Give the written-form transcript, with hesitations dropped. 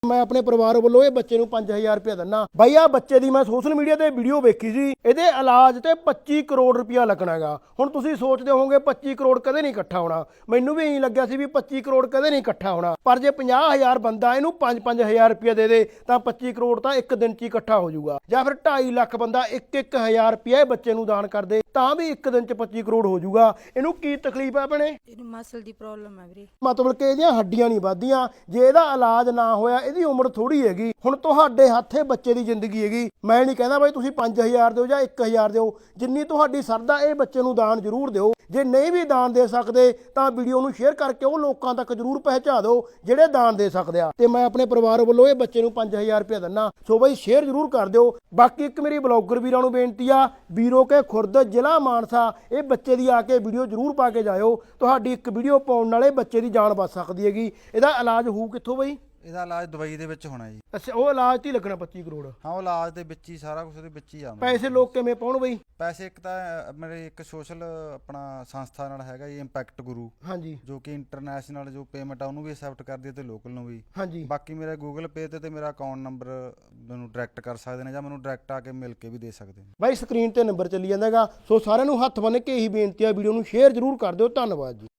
मैं अपने परिवार वालों ये बच्चे ਨੂੰ 5000 रुपया ਦਿੰਨਾ ਬਾਈ। ਆ ਬੱਚੇ ਦੀ ਮੈਂ ਸੋਸ਼ਲ ਮੀਡੀਆ ਤੇ ਵੀਡੀਓ ਵੇਖੀ ਸੀ, ਇਹਦੇ ਇਲਾਜ ਤੇ 25 ਕਰੋੜ ਰੁਪਇਆ ਲੱਗਣਾਗਾ। ਹੁਣ ਤੁਸੀਂ ਸੋਚਦੇ ਹੋਵੋਗੇ 25 ਕਰੋੜ ਕਦੇ ਨਹੀਂ ਇਕੱਠਾ ਹੋਣਾ। ਮੈਨੂੰ ਵੀ ਇਹੀ ਲੱਗਿਆ ਸੀ ਵੀ 25 ਕਰੋੜ ਕਦੇ ਨਹੀਂ ਇਕੱਠਾ ਹੋਣਾ, ਪਰ ਜੇ 50000 ਬੰਦਾ ਇਹਨੂੰ 5-5000 ਰੁਪਇਆ ਦੇ ਦੇ ਤਾਂ 25 ਕਰੋੜ ਤਾਂ ਇੱਕ ਦਿਨ 'ਚ ਹੀ ਇਕੱਠਾ ਹੋ ਜਾਊਗਾ। ਜਾਂ ਫਿਰ 2.5 ਲੱਖ ਬੰਦਾ 1-1000 ਰੁਪਇਆ ਇਹ ਬੱਚੇ ਨੂੰ ਦਾਨ ਕਰ ਦੇ ਤਾਂ ਵੀ ਇੱਕ ਦਿਨ 'ਚ 25 ਕਰੋੜ ਹੋ ਜਾਊਗਾ। ਇਹਨੂੰ ਕੀ ਤਕਲੀਫ ਹੈ ਭੈਣੇ? ਇਹਨੂੰ ਮਸਲ ਦੀ ਪ੍ਰੋਬਲਮ ਹੈ ਵੀਰੇ। ਮਤਲਬ ਕਿ ਇਹਦੀਆਂ ਹੱਡੀਆਂ ਨਹੀਂ ਵੱਧਦੀਆਂ। ਜੇ ਇਹਦਾ ਇਲਾਜ ਨਾ ਹੋਇਆ, ਇਹਦੀ ਉਮਰ ਥੋੜੀ ਹੈਗੀ। ਹੁਣ ਤੁਹਾਡੇ ਹੱਥੇ ਬੱਚੇ ਦੀ ਜ਼ਿੰਦਗੀ ਹੈਗੀ। ਮੈਂ ਨਹੀਂ ਕਹਿੰਦਾ ਬਾਈ ਤੁਸੀਂ 5000 ਦਿਓ ਜਾਂ 1000 ਦਿਓ, ਜਿੰਨੀ ਤੁਹਾਡੀ ਸਰਦਾ ਇਹ ਬੱਚੇ ਨੂੰ ਦਾਨ ਜ਼ਰੂਰ ਦਿਓ। ਜੇ ਨਹੀਂ ਵੀ ਦਾਨ ਦੇ ਸਕਦੇ ਤਾਂ ਵੀਡੀਓ ਨੂੰ ਸ਼ੇਅਰ ਕਰਕੇ ਉਹ ਲੋਕਾਂ ਤੱਕ ਜ਼ਰੂਰ ਪਹੁੰਚਾ ਦਿਓ ਜਿਹੜੇ ਦਾਨ ਦੇ ਸਕਦੇ ਆ। ਤੇ ਮੈਂ ਆਪਣੇ ਪਰਿਵਾਰ ਵੱਲੋਂ ਇਹ ਬੱਚੇ ਨੂੰ 5000 ਰੁਪਇਆ ਦਿੰਨਾ, ਸੋ ਬਾਈ ਸ਼ੇਅਰ ਜ਼ਰੂਰ ਕਰ ਦਿਓ। ਬਾਕੀ ਇੱਕ ਮੇਰੀ ਬਲੌਗਰ ਵੀਰਾਂ ਨੂੰ ਬੇਨਤੀ ਆ, ਵੀਰੋ ਕੇ ਖੁਰਦ ਜ਼ਿਲ੍ਹਾ ਮਾਨਸਾ ਇਹ ਬੱਚੇ ਦੀ ਆ ਕੇ ਵੀਡੀਓ ਜ਼ਰੂਰ ਪਾ ਕੇ ਜਾਇਓ। ਤੁਹਾਡੀ ਇੱਕ ਵੀਡੀਓ ਪਾਉਣ ਨਾਲੇ ਬੱਚੇ ਦੀ ਜਾਨ ਬਚ ਸਕਦੀ ਹੈਗੀ। ਇਹਦਾ ਇਲਾਜ ਹੋਊ ਕਿੱਥੋਂ ਬਾਈ? ਇਹਦਾ ਇਲਾਜ ਦੁਬਈ ਦੇ ਵਿੱਚ ਹੋਣਾ ਜੀ। ਅੱਛਾ, ਉਹ ਇਲਾਜ ਤੇ ਹੀ ਲੱਗਣਾ 25 ਕਰੋੜ? ਹਾਂ, ਉਹ ਇਲਾਜ ਦੇ ਵਿੱਚ ਹੀ ਸਾਰਾ ਕੁਝ ਉਹਦੇ ਵਿੱਚ ਹੀ ਆਉਂਦਾ। ਪੈਸੇ ਲੋਕ ਕਿਵੇਂ ਪਾਉਣ ਬਈ? ਪੈਸੇ ਇੱਕ ਤਾਂ ਮੇਰੇ ਇੱਕ ਸੋਸ਼ਲ ਆਪਣਾ ਸੰਸਥਾ ਨਾਲ ਹੈਗਾ ਜੀ, ਇੰਪੈਕਟ ਗੁਰੂ, ਹਾਂਜੀ, ਜੋ ਕਿ ਇੰਟਰਨੈਸ਼ਨਲ ਜੋ ਪੇਮੈਂਟ ਆ ਉਹਨੂੰ ਵੀ ਐਕਸੈਪਟ ਕਰਦੀ ਹੈ ਤੇ ਲੋਕਲ ਨੂੰ ਵੀ। ਹਾਂਜੀ, ਬਾਕੀ ਮੇਰਾ ਗੂਗਲ ਪੇ ਤੇ ਮੇਰਾ ਅਕਾਊਂਟ ਨੰਬਰ ਮੈਨੂੰ ਡਾਇਰੈਕਟ ਕਰ ਸਕਦੇ ਨੇ ਜਾਂ ਮੈਨੂੰ ਡਾਇਰੈਕਟ ਆ ਕੇ ਮਿਲ ਕੇ ਵੀ ਦੇ ਸਕਦੇ ਨੇ। ਬਾਈ ਸਕਰੀਨ ਤੇ ਨੰਬਰ ਚੱਲੀ ਜਾਂਦਾ ਹੈਗਾ। ਸੋ ਸਾਰਿਆਂ ਨੂੰ ਹੱਥ ਬੰਨ੍ਹ ਕੇ ਇਹੀ ਬੇਨਤੀ ਆ, ਵੀਡੀਓ ਨੂੰ ਸ਼ੇਅਰ ਜ਼ਰੂਰ ਕਰ ਦਿਓ। ਧੰਨਵਾਦ ਜੀ।